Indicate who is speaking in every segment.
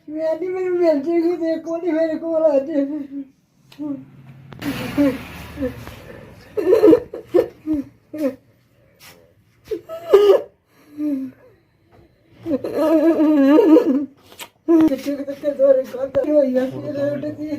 Speaker 1: ਮੈਂ ਨਹੀਂ ਮੈਨੂੰ ਮਿਲ ਜੇਗੀ ਦੇਖੋ ਨਹੀਂ ਮੇਰੇ ਕੋਲ ਅੱਜ ਕਿੱਥੇ ਕਿੱਥੇ ਦੋਰੇ ਖਾਦਾ ਹੋਈਆ ਫਿਰ ਉੱਠਦੀ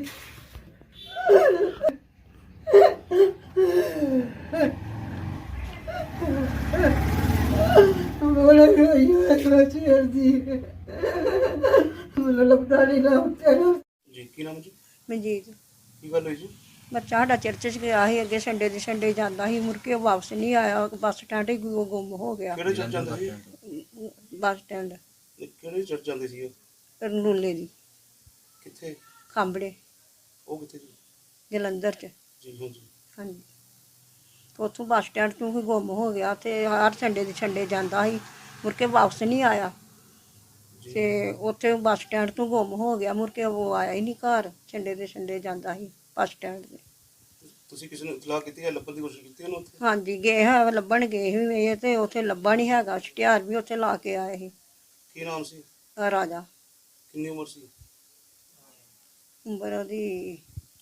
Speaker 1: ਬੋਲੇ ਹੋਈਆ ਸੋਚੀ ਦੀ ਮੈਨੂੰ ਲੱਗਦਾ ਨਹੀਂ ਨਾ ਤੈਨੂੰ
Speaker 2: ਜੀ ਕੀ ਨਾਮ ਜੀ?
Speaker 3: ਮਨਜੀਤ
Speaker 2: ਕੀ ਗੱਲ ਹੋਈ ਜੀ?
Speaker 3: ਬੱਚਾ ਸਾਡਾ ਚਰਚ 'ਚ ਗਿਆ ਸੀ ਅੱਗੇ ਸੰਡੇ ਦੇ ਸੰਡੇ ਜਾਂਦਾ ਸੀ ਮੁੜ ਕੇ ਉਹ ਵਾਪਸ ਨਹੀਂ ਆਇਆ ਬੱਸ ਸਟੈਂਡ ਹੀ ਗੁੰਮ ਹੋ ਗਿਆ
Speaker 2: ਕਿਹੜੇ ਚਰਚ ਜਾਂਦੇ ਸੀ?
Speaker 3: ਬੱਸ ਸਟੈਂਡ
Speaker 2: ਕਿਹੜੇ ਚਰਚ ਜਾਂਦੇ ਸੀ ਉਹ?
Speaker 3: ਰਨੂਲੇ ਦੀ
Speaker 2: ਕਿੱਥੇ?
Speaker 3: ਖਾਂਬੜੇ
Speaker 2: ਉਹ ਕਿੱਥੇ ਜੀ?
Speaker 3: ਜਲੰਧਰ 'ਚ
Speaker 2: ਜੀ ਹਾਂਜੀ।
Speaker 3: ਹਾਂਜੀ ਤੇ ਉੱਥੋਂ ਬੱਸ ਸਟੈਂਡ ਤੋਂ ਹੀ ਗੁੰਮ ਹੋ ਗਿਆ ਤੇ ਹਰ ਸੰਡੇ ਦੇ ਸੰਡੇ ਜਾਂਦਾ ਸੀ ਮੁੜ ਕੇ ਵਾਪਸ ਨਹੀਂ ਆਇਆ ਤੇ ਉੱਥੇ ਬੱਸ ਸਟੈਂਡ ਤੋਂ ਗੁੰਮ ਹੋ ਗਿਆ ਮੁੜ ਕੇ ਉਹ ਆਇਆ ਹੀ ਨਹੀਂ ਘਰ ਸੰਡੇ ਦੇ ਸੰਡੇ ਜਾਂਦਾ ਸੀ ਬੱਸ ਸਟੈਂਡ 'ਤੇ
Speaker 2: ਤੁਸੀਂ ਕਿਸੇ ਨੂੰ ਇਤਲਾਹ ਕੀਤੀ ਹੈ? ਲੱਭਣ ਦੀ ਕੋਸ਼ਿਸ਼ ਕੀਤੀ ਉਹਨੂੰ ਉੱਥੇ?
Speaker 3: ਹਾਂਜੀ ਗਏ ਹੈ ਲੱਭਣ ਗਏ ਸੀ ਇਹ ਤੇ ਉੱਥੇ ਲੱਭਾ ਨਹੀਂ ਹੈਗਾ ਛੁਟਿਆਰ ਵੀ ਉੱਥੇ ਲਾ ਕੇ ਆਏ ਸੀ
Speaker 2: ਕੀ ਨਾਮ ਸੀ?
Speaker 3: ਰਾਜਾ
Speaker 2: ਕਿੰਨੀ ਉਮਰ ਸੀ?
Speaker 3: ਉਮਰ ਉਹਦੀ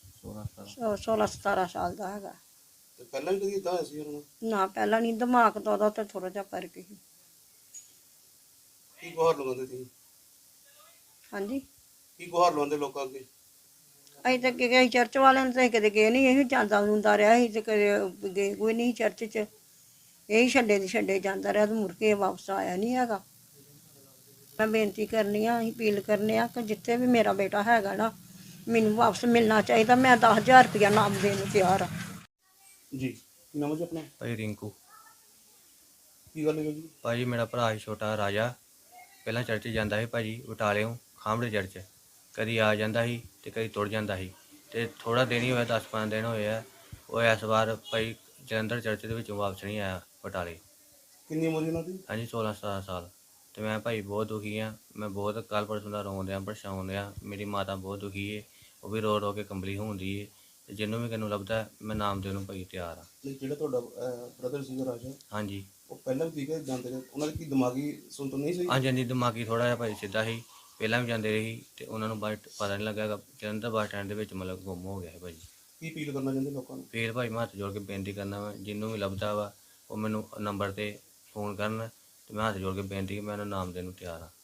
Speaker 3: 16-17 ਸਾਲ ਦਾ ਹੈਗਾ
Speaker 2: ਤੇ ਪਹਿਲਾਂ ਵੀ ਕਦੀ ਇਦਾਂ ਹੋਇਆ ਸੀ ਉਹਨਾਂ ਨਾਲ?
Speaker 3: ਨਾ ਪਹਿਲਾਂ ਨਹੀਂ ਦਿਮਾਗ ਤਾਂ ਉਹਦਾ ਤੇ ਥੋੜਾ ਜਿਹਾ ਫਰਕ ਸੀ
Speaker 2: ਕੀ ਗੁਹਾਰ ਲਗਾਉਂਦੇ ਸੀ?
Speaker 3: ਹਾਂਜੀ
Speaker 2: ਕੀ ਗੁਹਾਰ ਲਗਾਉਂਦੇ ਲੋਕਾਂ ਅੱਗੇ?
Speaker 3: ਅਸੀਂ ਤਾਂ ਗਏ ਚਰਚ ਵਾਲਿਆਂ ਨੂੰ ਤਾਂ ਅਸੀਂ ਕਦੇ ਗਏ ਨਹੀਂ ਇਹ ਜਾਂਦਾ ਹੁੰਦਾ ਰਿਹਾ ਸੀ ਤੇ ਕਦੇ ਗਏ ਕੋਈ ਨਹੀਂ ਚਰਚ 'ਚ ਇਹੀ ਛੱਡੇ ਦੀ ਛੱਡੇ ਜਾਂਦਾ ਰਿਹਾ ਤੇ ਮੁੜ ਕੇ ਵਾਪਸ ਆਇਆ ਨਹੀਂ ਹੈਗਾ ਮੈਂ ਬੇਨਤੀ ਕਰਨੀ ਆ ਅਸੀਂ ਅਪੀਲ ਕਰਨੇ ਆ ਕਿ ਜਿੱਥੇ ਵੀ ਮੇਰਾ ਬੇਟਾ ਹੈਗਾ ਨਾ ਮੈਨੂੰ ਵਾਪਸ ਮਿਲਣਾ ਚਾਹੀਦਾ ਮੈਂ 10,000 ਰੁਪਇਆ ਨਾਮ ਦੇਣ ਨੂੰ ਤਿਆਰ ਆ
Speaker 2: ਜੀ ਕੀ ਨਾਮ ਹੈ ਜੀ ਆਪਣਾ?
Speaker 4: ਭਾਈ ਰਿੰਕੂ।
Speaker 2: ਕੀ ਗੱਲ ਹੋਈ ਜੀ?
Speaker 4: ਭਾਜੀ ਮੇਰਾ ਭਰਾ ਸੀ ਛੋਟਾ ਰਾਜਾ ਪਹਿਲਾਂ ਚਰਚ ਜਾਂਦਾ ਸੀ ਭਾਜੀ ਬਟਾਲਿਓਂ ਖਾਂਬੜੇ ਚਰਚ ਕਦੀ ਆ ਜਾਂਦਾ ਸੀ ਤੇ ਕਦੀ ਤੁਰ ਜਾਂਦਾ ਸੀ ਤੇ ਥੋੜਾ ਦਿਨ ਹੀ ਹੋਇਆ 10-15 ਦਿਨ ਹੋਏ ਆ ਉਹ ਇਸ ਵਾਰ ਭਾਈ ਜਲੰਧਰ ਚਰਚ ਦੇ ਵਿੱਚੋਂ ਵਾਪਸ ਨਹੀਂ ਆਇਆ ਬਟਾਲੇ।
Speaker 2: ਕਿੰਨੀ ਉਮਰ ਸੀ ਉਹਨਾਂ ਦੀ?
Speaker 4: ਹਾਂਜੀ 16-17 ਸਾਲ ਤੇ ਮੈਂ ਭਾਈ ਬਹੁਤ ਦੁਖੀ ਆ ਮੈਂ ਬਹੁਤ ਕੱਲ੍ਹ ਪਰਸੋਂ ਦਾ ਰੋਣ ਦਿਆਂ ਪਰੇਸ਼ਾਨ ਦਿਆਂ ਮੇਰੀ ਮਾਤਾ ਬਹੁਤ ਦੁਖੀ ਏ ਉਹ ਵੀ ਰੋ ਰੋ ਕੇ ਕੰਬਲੀ ਹੁੰਦੀ ਏ ਤੇ ਜਿਹਨੂੰ ਵੀ ਕਿਨੂੰ ਲੱਭਦਾ ਮੈਂ ਨਾਮ ਦੇਣ ਨੂੰ ਭਾਈ ਤਿਆਰ ਆ।
Speaker 2: ਨਹੀਂ, ਜਿਹੜਾ ਤੁਹਾਡਾ ਬ੍ਰਦਰ ਸੀਗਾ ਰਾਜਾ,
Speaker 4: ਹਾਂਜੀ
Speaker 2: ਉਹ ਪਹਿਲਾਂ ਵੀ ਠੀਕ ਹੈ ਜਾਂਦੇ ਰਹੇ, ਉਹਨਾਂ ਦੀ ਕੀ ਦਿਮਾਗੀ ਸੁਣਤ ਨਹੀਂ ਸੀ?
Speaker 4: ਹਾਂਜੀ ਹਾਂਜੀ ਦਿਮਾਗੀ ਥੋੜਾ ਜਿਹਾ ਭਾਈ ਸਿੱਧਾ ਸੀ ਪਹਿਲਾਂ ਵੀ ਜਾਂਦੇ ਰਹੀ ਤੇ ਉਹਨਾਂ ਨੂੰ ਬਾਅਦ ਪਤਾ ਨਹੀਂ ਲੱਗਾ ਜਲੰਧਰ ਬੱਸ ਸਟੈਂਡ ਦੇ ਵਿੱਚ ਮਤਲਬ ਗੁੰਮ ਹੋ ਗਿਆ ਹੈ ਭਾਜੀ।
Speaker 2: ਕੀ ਅਪੀਲ ਕਰਨਾ ਚਾਹੁੰਦੇ ਲੋਕਾਂ ਨੂੰ?
Speaker 4: ਫਿਰ ਭਾਈ ਮੈਂ ਹੱਥ ਜੋੜ ਕੇ ਬੇਨਤੀ ਕਰਨਾ ਵਾ ਜਿਹਨੂੰ ਵੀ ਲੱਭਦਾ ਵਾ ਉਹ ਮੈਨੂੰ ਨੰਬਰ 'ਤੇ ਫੋਨ ਕਰਨ ਤੇ ਮੈਂ ਹੱਥ ਜੋੜ ਕੇ ਬੇਨਤੀ ਕਿ ਮੈਂ ਉਹਨਾਂ ਨਾਮ ਦੇਣ ਨੂੰ ਤਿਆਰ ਹਾਂ।